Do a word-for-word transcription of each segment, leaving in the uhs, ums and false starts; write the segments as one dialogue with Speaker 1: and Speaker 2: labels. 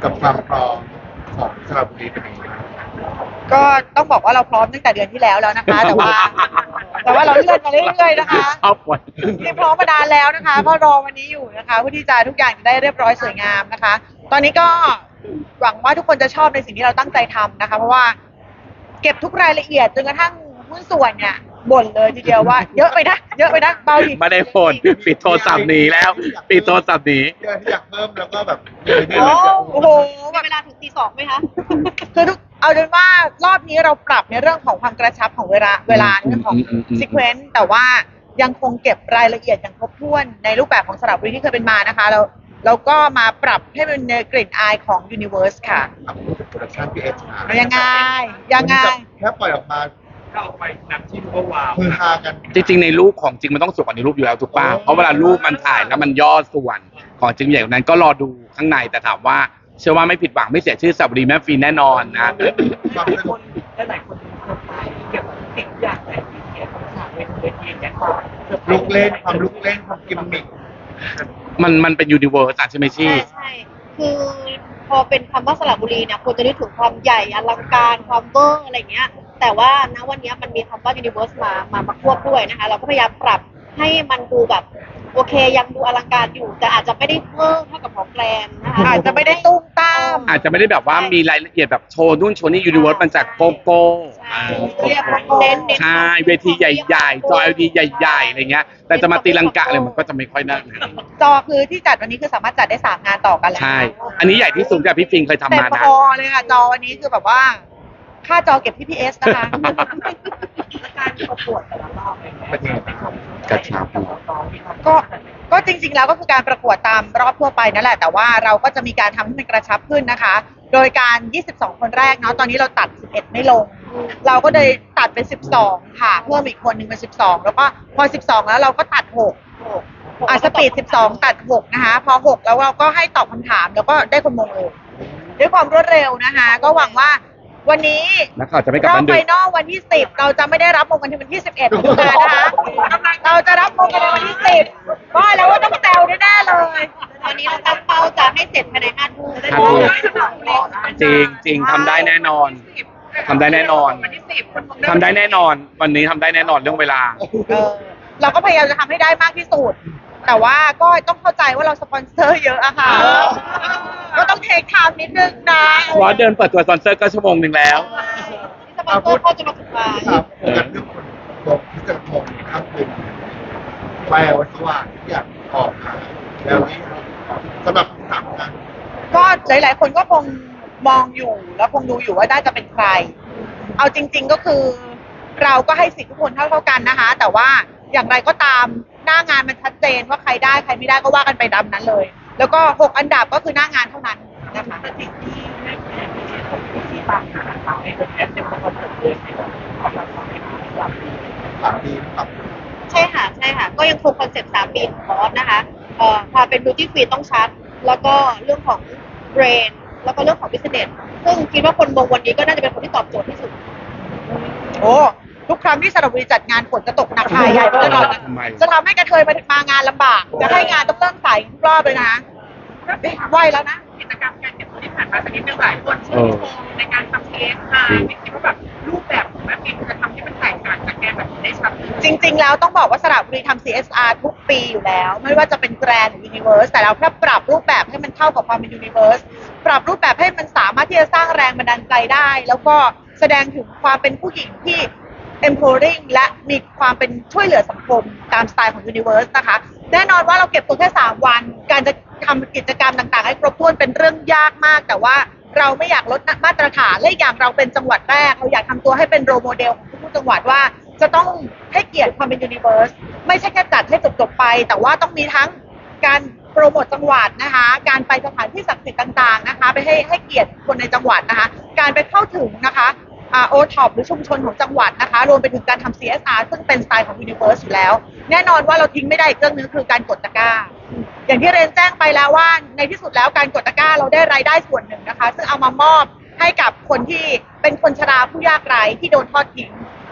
Speaker 1: กับความพร้อมของสระบุรีเป็นยังไงบ้าง
Speaker 2: ก็ต้องบอกว่าเราพร้อมตั้งแต่เดือนที่แล้วแล้วนะคะ แต่ว่า แต่ว่าเราเลื่อนมาเรื่อยๆนะคะ
Speaker 3: ชอบวัน
Speaker 2: ที่พร้อมมานานแล้วนะคะก็รอวันนี้อยู่นะคะเพื่อที่จะทุกอย่างจะได้เรียบร้อยสวยงามนะคะ ตอนนี้ก็หวังว่าทุกคนจะชอบในสิ่งที่เราตั้งใจทำนะคะ เพราะว่าเก็บทุกรายละเอียดจนกระทั่งหุ้นส่วนเนี่ยบ่นเลยทีเดียวว่าเยอะไปนะเยอะไปนะเบาอีก
Speaker 3: ไม่ได้ผลปิดโทรศัพท์หนีแล้วปิดโทรศัพท์หนี
Speaker 1: ที่อยากเพิ่มแล้วก็แบบ
Speaker 2: โอ้โอ้โห
Speaker 4: มีเวลาถึงตีสองไหมคะ
Speaker 2: คือทุกเอาเป็นว่ารอบนี้เราปรับในเรื่องของความกระชับของเวลาเวลาเรื่องของซีเควนซ์แต่ว่ายังคงเก็บรายละเอียดอย่างครบถ้วนในรูปแบบของสระบุรีที่เคยเป็นมานะคะเราเราก็มาปรับให้เป็นในกลิ่นอายของ Universe ค่ะ
Speaker 1: อ่ะพูดถึงโปรดักชั่นพีเอชอาร์
Speaker 2: ยังไงยังไง
Speaker 1: แค่ปล่อยออกมา
Speaker 5: ถ้าออกไปนับที่รู้ว่าว้าว
Speaker 1: คือฮากัน
Speaker 3: จริงๆในรูปของจริงมันต้องสวยกว่าในรูปอยู่แล้วถูกป่ะเพราะเวลารูปมันถ่ายแล้วมันย่อส่วนของจริงใหญ่กว่านั้นก็รอดูข้างในแต่ถามว่าเชื่อว่าไม่ผิดหวังไม่เสียชื่อสระบุรีแม่ฟินแน่นอนนะ
Speaker 1: ความสนุก
Speaker 5: หลายคนสนใจเกี่ยวกับสิ่งอย่างไรที่เกี่ยวกับฉากเวทีเวทีอย่างเงี้ย
Speaker 1: ลุกเล่นความลุกเล่นความกิมมิค
Speaker 3: มันมันเป็นยูนิเวอร์สใช่ไหมชี่
Speaker 4: ใช่ใช่คือพอเป็นคำว่าสระบุรีเนี่ยควรจะนึกถึงความใหญ่อลังการความเวอร์อะไรเงี้ย แต่ว่าณวันนี้มันมีคำว่า universe มามามาควบด้วยนะคะ เราก็พยายามปรับให้มันดูแบบโอเคยังดูอลังการอยู่ แต่อาจจะไม่ได้เวอร์เท่ากับของแกรนนะคะ
Speaker 2: อาจจะไม่ได้ตุ้มตาม
Speaker 3: อาจจะไม่ได้แบบว่ามีรายละเอียดแบบโชว์นู่นโชว์นี่ยูนิเวอร์สมันจากโกโก้
Speaker 4: ใช่
Speaker 3: อ่า
Speaker 4: เรียกว่าเน้นเน้น
Speaker 3: ใช่เวทีใหญ่ๆจอ แอล อี ดี ใหญ่ๆอะไรเงี้ยแต่จะมาตีลังกะอะไรมันก็จะไม่ค่อยน่า
Speaker 2: จอคือที่จัดวันนี้คือสามารถจัดได้สามงานต่อกันเลย
Speaker 3: ใช่ อันนี้ใหญ่ที่สุดที่พี่ฟิงเคยทำ
Speaker 2: เต็ม
Speaker 3: มานะ
Speaker 2: พอเลยค่ะจอวันนี้คือแบบว่า ค่าจอเก็บที่พีเอสนะคะ
Speaker 5: และการประกวดแต่ละรอบอะไรเงี้ย
Speaker 1: เป็นยังไงบ้าง
Speaker 3: กระชับ
Speaker 2: ก็ก็จริงๆแล้วก็คือการประกวดตามรอบทั่วไปนั่นแหละแต่ว่าเราก็จะมีการทำให้มันกระชับขึ้นนะคะ โดยการ ยี่สิบสอง คนแรกเนาะตอนนี้เราตัด สิบเอ็ด ไม่ลง เราก็เลยตัดเป็น สิบสอง ค่ะเพิ่มอีกคนหนึ่งเป็น สิบสอง แล้วก็พอ สิบสอง แล้วเราก็ตัด หกอ่ะสปีด สิบสอง ตัด หก นะคะ พอ หก แล้วเราก็ให้ตอบคำถามแล้วก็ได้คนมงเลยด้วยความรวดเร็วนะคะ ก็หวังว่าวันนี้
Speaker 3: นักข่าวจะไม่กลับ
Speaker 2: รอบ
Speaker 3: บ้าน
Speaker 2: ไฟ
Speaker 3: ดึก
Speaker 2: นอลวันที่ สิบ เราจะไม่ได้รับมงกันที่วันที่ สิบเอ็ดมิถุนายนนะคะ เราจะรับมงกันในวันที่ สิบก็แล้วว่าต้องแซวแน่ๆเลย
Speaker 4: ตอนนี้เราตั้งเป้าจะให้เสร็จภายในห้าทุ่ม
Speaker 3: ห้าทุ่ม จริงจริงทำได้แน่นอนทำได้แน่นอน
Speaker 5: วันที่สิบ
Speaker 3: ทำได้แน่นอน วันนี้ทำได้แน่นอนเรื่องเวลา
Speaker 2: เออเราก็พยายามจะทำให้ได้มากที่สุด แต่ว่าก็ต้องเข้าใจว่าเราสปอนเซอร์เยอะอะค่ะ ก็ต้องเทคไทม์นิดนึงนะ
Speaker 3: เพราะว่าเดินเปิดตัวสปอนเซอร์ก็ชั่วโมงหนึ่งแล้ว
Speaker 4: ที่สปอนเซอร์เขาจะมาถึงมา
Speaker 1: ครับโฟกัสเรื่องคนลงที่จะมองข้ามคืนไฟสว่างที่อยากออกมาแล้วนี่สำหรับสามงาน
Speaker 2: ก็หลายๆ คนก็คงมองอยู่แล้วคงดูอยู่ว่าน่าจะเป็นใคร เอาจริง ๆก็คือ เราก็ให้สิทธิทุกคนเท่าเท่าๆกันนะคะ แต่ว่าอย่างไรก็ตามหน้างานมันชัดเจนว่าใครได้ใครไม่ได้ก็ว่ากันไปดำนั้นเลย แล้วก็หกอันดับก็คือหน้างานเท่านั้นนะคะ
Speaker 5: แต่สิ่งที่ไม่แพ้ที่ที่ตามหาทางในเป็นแอปเป็นคนเปิดเลยในความรักความเป็นความ
Speaker 1: สามปีครับ
Speaker 4: ใช่ค่ะใช่ค่ะ ก็ยังคงคอนเซ็ปต์สามปีของบอสนะคะเอ่อความเป็น beauty queen ต้องชัด แล้วก็เรื่องของ brain แล้วก็เรื่องของ business ซึ่งคิดว่าคนมงวันนี้ก็น่าจะเป็นคนที่ตอบโจทย์ที่สุด
Speaker 2: โอ้ทุกครั้งที่สระบุรีจัดงานฝนจะตกหนักหายใหญ่ตลอด
Speaker 3: ทำไม
Speaker 2: จะทำให้กระเทยมามางานลำบาก จะให้งานต้องเริ่มสายทุกรอบเลยนะเอ๊ะไหวแล้วนะ
Speaker 5: กิจกรรมการเก็บตัวที่ผ่านมาสักนิดนึงหลายคนชื่นชมในการทำเอสไอไม่คิดว่าแบบรูปแบบของแม่ปิ่นจะทำให้มันแตกต่างจากแกแบบนี้ได้ชัด
Speaker 2: จริง ๆ แล้วต้องบอกว่าสระบุรีทำ ซี เอส อาร์ ทุกปีอยู่แล้ว ไม่ว่าจะเป็นแกรนด์หรือ Universe แต่เราแค่ปรับรูปแบบให้มันเข้ากับความเป็น Universe ปรับรูปแบบให้มันสามารถที่จะสร้างแรงบันดาลใจได้ แล้วก็แสดงถึงความเป็นผู้หญิงที่ empowering และมีความเป็นช่วยเหลือสังคมตามสไตล์ของ Universe นะคะ แน่นอนว่าเราเก็บตัวแค่สามวัน การจะทำกิจกรรมต่างๆ ให้ครบถ้วนเป็นเรื่องยากมาก แต่ว่าเราไม่อยากลดมาตรฐานและอีกอย่างเราเป็นจังหวัดแรก เราอยากทำตัวให้เป็นโรโมเดลของทุกๆจังหวัดว่า จะต้องให้เกียรติความเป็น Universe ไม่ใช่แค่จัดให้จบๆไป แต่ว่าต้องมีทั้งการโปรโมทจังหวัดนะคะ การไปสถานที่ศักดิ์สิทธิ์ต่างๆนะคะ ไปให้ให้เกียรติคนในจังหวัดนะคะ การไปเข้าถึงนะคะโอท็อปหรือชุมชนของจังหวัดนะคะ รวมไปถึงการทำ ซี เอส อาร์ ซึ่งเป็นสไตล์ของ Universe อยู่แล้ว แน่นอนว่าเราทิ้งไม่ได้อีกเรื่องนึงคือการกดตะกร้า อย่างที่เรนแจ้งไปแล้วว่าในที่สุดแล้วการกดตะกร้าเราได้รายได้ส่วนหนึ่งนะคะ ซึ่งเอามามอบให้กับคนที่เป็นคนชราผู้ยากไร้ที่โดนทอดทิ้ง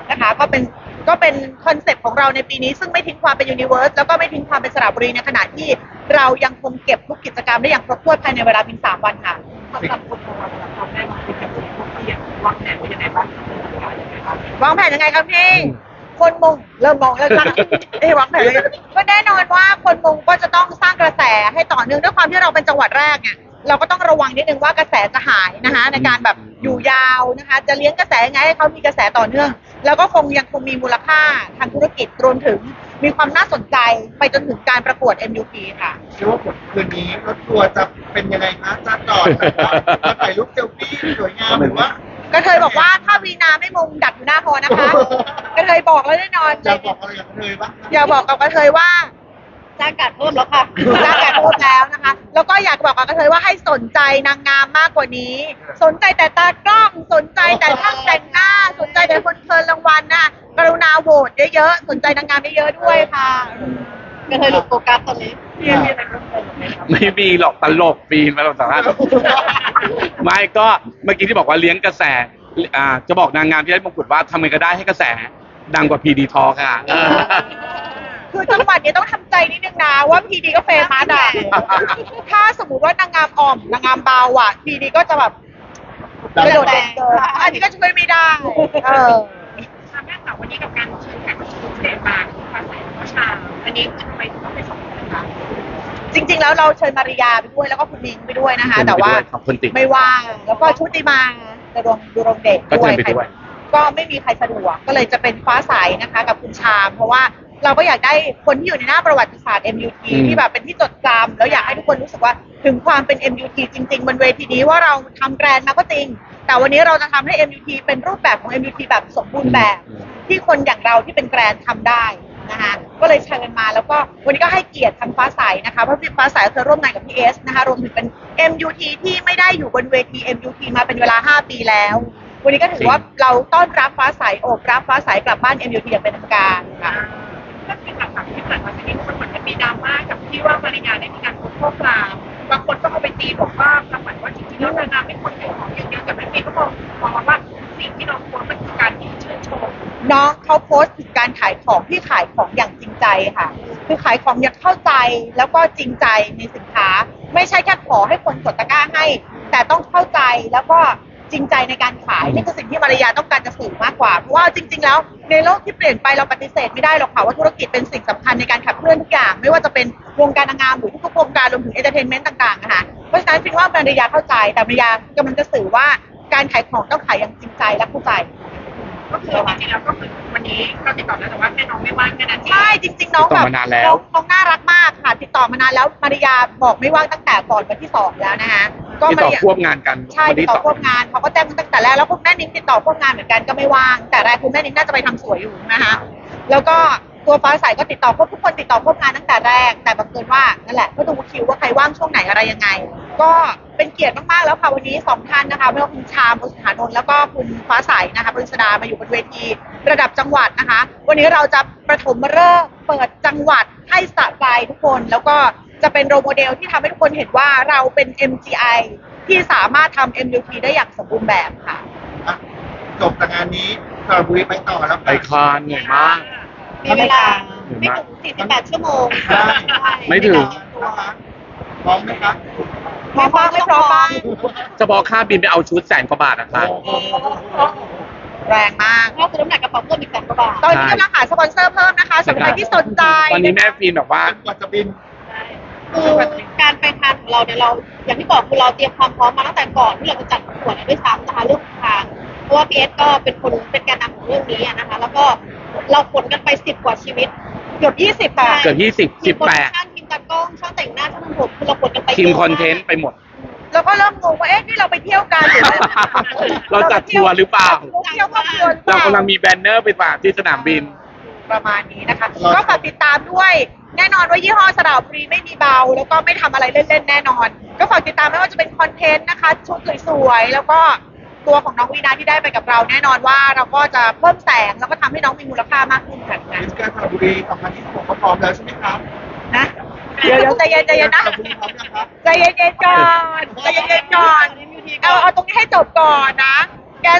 Speaker 2: นะคะ ก็เป็นก็เป็นคอนเซ็ปต์ของเราในปีนี้ซึ่งไม่ทิ้งความเป็นยูนิเวิร์สแล้วก็ไม่ทิ้งความเป็นสระบุรีในขณะที่เรายังคงเก็บทุกกิจกรรมได้อย่างครบถ้วนภายในเวลาเพียงสามวันค่ะ
Speaker 5: สำหรับคนของเราสำหรับคนแม่ที่เป็นพวกที่อยากวางแผนไว้ยังไงบ้างยังไงบ้าง
Speaker 2: วางแผนยังไงครับพี่ คนมงเริ่มมองแล้วนะเอ้ยวางแผนยังไงก็แน่นอนว่าคนมงก็จะต้องสร้างกระแสให้ต่อเนื่องด้วยความที่เราเป็นจังหวัดแรกเนี่ยเราก็ต้องระวังนิดนึงว่ากระแสจะหายนะคะในการแบบอยู่ยาวนะคะ จะเลี้ยงกระแสยังไงให้เขามีกระแสต่อเนื่อง แล้วก็คงยังคงมีมูลค่าทางธุรกิจรวมถึงมีความน่าสนใจไปจนถึงการประกวด เอ็ม ยู พี ค่ะ
Speaker 1: เชื่อว่าผลคืนนี้รถทัวร์จะเป็นยังไงคะจะจอดแบบว่าจะถ่ายรูปเซลฟี่สวยงามหรือว่า
Speaker 2: กระเทยบอกว่าถ้าวีนาไม่มงดักอยู่หน้าฮอนะคะกระเทยบอกแล้วแน่นอน
Speaker 1: จะบอกอะไรกับเธอบ้าง
Speaker 2: อย่าบอกกับกระเทยว่า
Speaker 4: จ้างการเพิ่มแล้วค่ะ
Speaker 2: ร่างกายครบแล้วนะคะ แล้วก็อยากบอกกับกระเทยว่าให้สนใจนางงามมากกว่านี้ สนใจแต่ตากล้อง สนใจแต่ช่างแต่งหน้า สนใจแต่คนเชิญรางวัลนะกรุณาโหวตเยอะๆ สนใจนางงามเยอะๆด้วยค่ะ
Speaker 4: ก็เคยหลุดโฟกัสตอนนี้
Speaker 5: พี่มีอะไรเพิ่มเติมไหมครับ
Speaker 3: ไม่มีหรอกตลกปีนมาเราสามารถไม่ก็เมื่อกี้ที่บอกว่าเลี้ยงกระแสอ่าจะบอกนางงามที่ได้มงกุฎว่าทำไงก็ได้ให้กระแสดังกว่าพีดีทอค่ะเออ
Speaker 2: คือจังหวัดนี้ต้องทำใจนิดนึงนะว่าพีดีก็เฟมัสอ่ะ ถ้าสมมติว่านางงามอ่อมนางงามเบาอ่ะพีดีก็จะแบบกระโดดเด่นเกินอันนี้ก็ช่วยไม่ได้ เออ
Speaker 5: ทำแม่สาววันนี้กับการเชิญแขกรับเชิญพิเศษมาคือภาษาพระชาอันนี้คือทำไมถึงต้องไปสองคนนะคะ
Speaker 2: จริงๆ แล้วเราเชิญมาริยาไปด้วยแล้วก็คุณมิงไปด้วยนะคะ แต่ว่า
Speaker 3: ขอบคุณติ๊ก
Speaker 2: ไม่ว่างแล้วก็ชุติมาดรงดูรงเดช
Speaker 3: ก็เชิญไปด้วย
Speaker 2: ก็ไม่มีใครสะดวกก็เลยจะเป็นฟ้าใสนะคะ กับคุณชาม เพราะว่าเราก็อยากได้คนที่อยู่ในหน้าประวัติศาสตร์ เอ็ม ยู ที ที่แบบเป็นที่จดจำแล้วอยากให้ทุกคนรู้สึกว่าถึงความเป็น เอ็ม ยู ที จริงๆบนเวทีนี้ว่าเราทำแกรนด์มาก็จริง แต่วันนี้เราจะทำให้ เอ็ม ยู ที เป็นรูปแบบของ เอ็ม ยู ที แบบสมบูรณ์แบบ ที่คนอย่างเราที่เป็นแกรนด์ทำได้นะคะก็เลยเชิญมาแล้วก็วันนี้ก็ให้เกียรติทางฟ้าใสนะคะเพราะฟ้าใสเคยร่วมงานกับพี่เอสนะคะรวมถึงเป็น เอ็ม ยู ที ที่ไม่ได้อยู่บนเวที เอ็ม ยู ที มาเป็นเวลาห้าปีแล้ว วันนี้ก็ถือว่าเราต้อนรับฟ้าใสโอบรับฟ้าใสกลับบ้าน เอ็ม ยู ที อย่างเป็นทางการค่ะ
Speaker 5: ก็คือหลักๆที่ผ่านมาสักนิดมันเหมือนจะมีดราม่ากับที่ว่ามาริยาได้มีการโพสต์ข้อความบางคนก็เอาไปตีบอกว่าประมาณว่าจริงๆแล้วนางงามไม่ควรขายของเยอะๆแต่แม่เมย์ก็มองมองว่าสิ่งที่น้องโพสต์มันคือการที่ชื่นชม
Speaker 2: น้องเขาโพสต์ถึงการขายของที่ขายของอย่างจริงใจค่ะ คือขายของอย่างเข้าใจแล้วก็จริงใจในสินค้า ไม่ใช่แค่ขอให้คนกดตะกร้าให้ แต่ต้องเข้าใจแล้วก็จริงใจในการขายนี่คือสิ่งที่มารยาต้องการจะสื่อมากกว่าเพราะว่าจริง ๆ แล้วในโลกที่เปลี่ยนไปเราปฏิเสธไม่ได้หรอกค่ะว่าธุรกิจเป็นสิ่งสำคัญในการขับเคลื่อนทุกอย่าง ไม่ว่าจะเป็นวงการนางงามหรือทุกๆวงการรวมถึงเอนเตอร์เทนเมนต์ต่างๆนะคะเพราะฉะนั้นคิดว่ามารยาเข้าใจแต่มารยากำลังจะสื่อว่าการขายของต้องขายอย่างจริงใจและเข้าใจ
Speaker 5: ก็คือจริงๆแล้วก็คือวันนี้ก็ติดต่อแล้วแต่ว่าแค่น้องไม่ว่างแค่นั้นเอง
Speaker 2: ใช่จริง ๆ น้อง
Speaker 3: ติด
Speaker 2: แบ
Speaker 3: ต่อบ มานานแล้ว
Speaker 2: น้องน้องน่ารักมากค่ะ ติดต่อมานานแล้วมาริยาบอกไม่ว่างตั้งแต่ก่อนวันที่สองแล้วนะคะก็
Speaker 3: ที่
Speaker 2: มา
Speaker 3: ต่อ
Speaker 2: ริยา
Speaker 3: ควบงานกัน
Speaker 2: ใช่
Speaker 3: วัน
Speaker 2: ติด
Speaker 3: ที่
Speaker 2: ต่
Speaker 3: ส
Speaker 2: อ
Speaker 3: อง
Speaker 2: ควบงานเขาก็แจ้งตั้งแต่แรกแล้วคุณแม่นิ้งติดต่อควบงานเหมือนกันก็ไม่ว่าง แต่แรกคุณแม่นิ้งน่าจะไปทำสวยอยู่นะคะแล้วก็ตัวฟ้าใสก็ติดต่อควบทุกคนติดต่อควบงานตั้งแต่แรกแต่บังเอิญว่านั่นแหละก็ดูคิวว่าใครว่างช่วงไหนอะไรยังไง ก็เป็นเกียรติมากๆแล้วค่ะวันนี้สองท่านนะคะไม่ว่าคุณชามบุษฐานนท์แล้วก็คุณฟ้าใสนะคะปริศดามาอยู่บนเวทีระดับจังหวัดนะคะ วันนี้เราจะประถมฤกษ์เปิดจังหวัดให้สะใจทุกคนแล้วก็จะเป็นโรลโมเดลที่ทำให้ทุกคนเห็นว่าเราเป็น เอ็ม จี ไอ ที่สามารถทำ เอ็ม ยู ที ได้อย่างสมบูรณ์แบบค่ะ
Speaker 1: อ่ะจบจากงานนี้สระบุรีไปต่อแล้ว
Speaker 3: ไปคานเหนื่อยมาก
Speaker 4: มีเวลาไม่ถึงสี่สิบแปดชั่วโมง
Speaker 3: ไม่ถึง
Speaker 1: นะคะพร้อมไหมคะ
Speaker 2: พร้อมบ้างไม่พร้อมบ้าง
Speaker 3: จะบอกค่าบินไปเอาชุดแสนกว่าบาทนะคะ
Speaker 1: โอ้โห
Speaker 2: แรงมาก
Speaker 4: ถ้าซื้อน้ำหนักกระเป๋าเพิ่มอีกแสนกว่าบาท
Speaker 2: ตอนนี้กำลังหาสปอนเซอร์เพิ่มนะคะสำหรับใครที่สนใจ
Speaker 3: ตอนนี้แม่ฟินแบบว่า
Speaker 1: จนกว่าจะบิน
Speaker 4: คือการไปทานของเราเนี่ยเราอย่างที่บอกคือเราเตรียมความพร้อมมาตั้งแต่ก่อนที่เราจะจัดประกวดด้วยซ้ำนะคะเรื่องทางเพราะว่าพีเอสก็เป็นคนเป็นแกนนำของเรื่องนี้อะนะคะ แล้วก็เราขนกันไปสิบกว่าชีวิต
Speaker 2: เกือบยี่สิบค่ะ
Speaker 3: เกือบยี่สิบ
Speaker 4: ที
Speaker 3: สิ
Speaker 4: ม
Speaker 3: บ
Speaker 4: โปร
Speaker 3: แป
Speaker 4: ดัก
Speaker 3: ด
Speaker 4: ชั่นทีมตากล้องช่างแต่งหน้าช่างทำผมคือเราขนกันไป
Speaker 3: ทีม
Speaker 4: ยะ
Speaker 3: คอนเทนต์ไปหมด
Speaker 2: แล้วก็เริ่มงงว่าเอ๊ะนี่เราไปเที่ยวกันหรือว่า
Speaker 3: เราจัดทัวร์หรือเปล่า
Speaker 2: เที่ยวครอบครัวหรือเป
Speaker 3: เรา
Speaker 2: ล่า
Speaker 3: กำลังมีแบนเนอร์ไปฝากที่สนามบิน
Speaker 2: ประมาณนี้นะคะ ก็ฝากติดตามด้วย แน่นอนว่ายี่ห้อสระบุรีไม่มีเบา แล้วก็ไม่ทำอะไรเล่นๆแน่นอน ก็ฝากติดตามไม่ว่าจะเป็นคอนเทนต์นะคะ ชุดสวยๆแล้วก็ตัวของน้องวีนาที่ได้ไปกับเรา แน่นอนว่าเราก็จะเพิ่มแสงแล้วก็ทำให้น้องมีมูลค่ามากขึ้นค่ะ
Speaker 1: มิสแกรนด์สระบุรีสองพันยี่สิบหกเขาพร้อมแล้วใช่ไหมครับ
Speaker 2: นะเดี๋ยวเดี๋ยวใจเย็นใจเย็นนะ
Speaker 1: สระบุรีพร้อมยังครับ
Speaker 2: ใจเย็นๆก่อนใจเย็นๆก่อนเอาเอาตรงนี้ให้จบก่อนนะ แกนส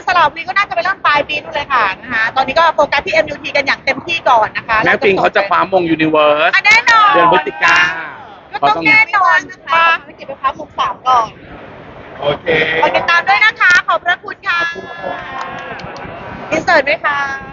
Speaker 2: ระบุรีก็น่าจะไปเริ่มปลายปีนู่นเลยค่ะนะคะตอนนี้ก็โฟกัสที่ เอ็ม ยู ที กันอย่างเต็มที่ก่อนนะคะ
Speaker 3: แม่ปิงเขาจะคว้ามงยูนิเวิร์ส
Speaker 2: อ่ะแน่นอน
Speaker 3: เดือนพฤศจิกา
Speaker 2: ก็ต้องแน่นอนนะ
Speaker 4: นะคะ
Speaker 2: คะ
Speaker 4: ไม่เก็บไปพักมุกสามก่อน
Speaker 1: โอเค
Speaker 2: ขอติดตามด้วยนะคะ ขอบพระคุณค่ะอินเสิร์ตด้วยค่ะ